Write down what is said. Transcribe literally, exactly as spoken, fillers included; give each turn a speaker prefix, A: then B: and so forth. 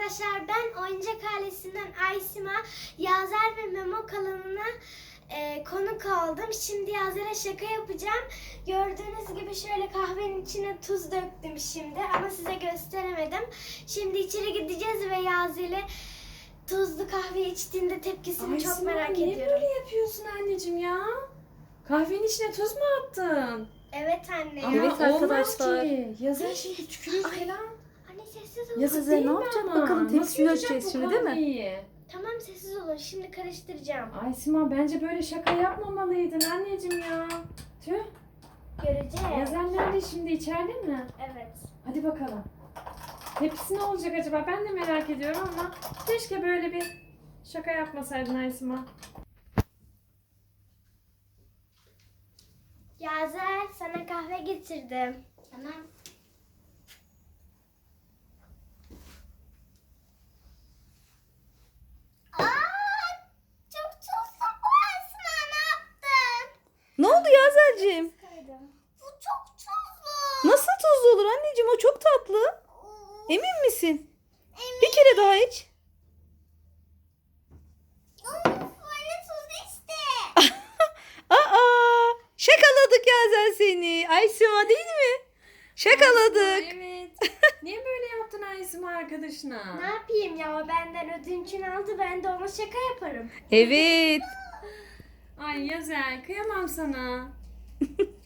A: arkadaşlar, ben Oyuncak Ailesi'nden Aysima, Yazer ve Memo kanalına e, konuk oldum. Şimdi Yazer'e şaka yapacağım. Gördüğünüz gibi şöyle kahvenin içine tuz döktüm şimdi ama size gösteremedim. Şimdi içeri gideceğiz ve Yazer'e tuzlu kahve içtiğinde tepkisini
B: Aysima,
A: çok merak
B: niye
A: ediyorum.
B: böyle yapıyorsun anneciğim ya? Kahvenin içine tuz mu attın?
A: Evet anne
B: Ama
A: ya.
C: Evet
B: olmaz
C: arkadaşlar.
B: ki. Yazar şimdi tükürür falan.
A: Anne sessiz olun.
B: Yazık
C: Size
B: değil
C: ne
B: mi
C: yapacak
B: ama?
C: bakalım,
B: Nasıl
C: tepsini
B: yutacak
C: ölçeceğiz
B: bu
C: şimdi, değil mi?
B: kahveyi?
A: Tamam sessiz olun. Şimdi karıştıracağım.
B: Aysima, bence böyle şaka yapmamalıydın anneciğim ya. Tüh.
A: Göreceğiz.
B: Yazar nerede şimdi, içeride mi?
A: Evet.
B: Hadi bakalım. Tepsi ne olacak acaba? Ben de merak ediyorum ama keşke böyle bir şaka yapmasaydın Aysima.
A: Yazer, sana kahve getirdim. Tamam. Aa, çok tuzlu bu Esma, ne yaptın?
C: Ne oldu Yazer'cim?
A: Bu çok tuzlu.
C: Nasıl tuzlu olur anneciğim, o çok tatlı. Emin misin? Bir kere daha iç.
A: Of, böyle tuzlu işte.
C: Aa, şakaladık Yazer seni. Aysima değil mi? Şakaladık.
B: Aysima, evet. Niye böyle yaptın Aysima arkadaşına?
A: Ne yapayım ya, benden ödünçünü aldı, ben de ona şaka yaparım.
C: Evet.
B: Ay Yazel, kıyamam sana.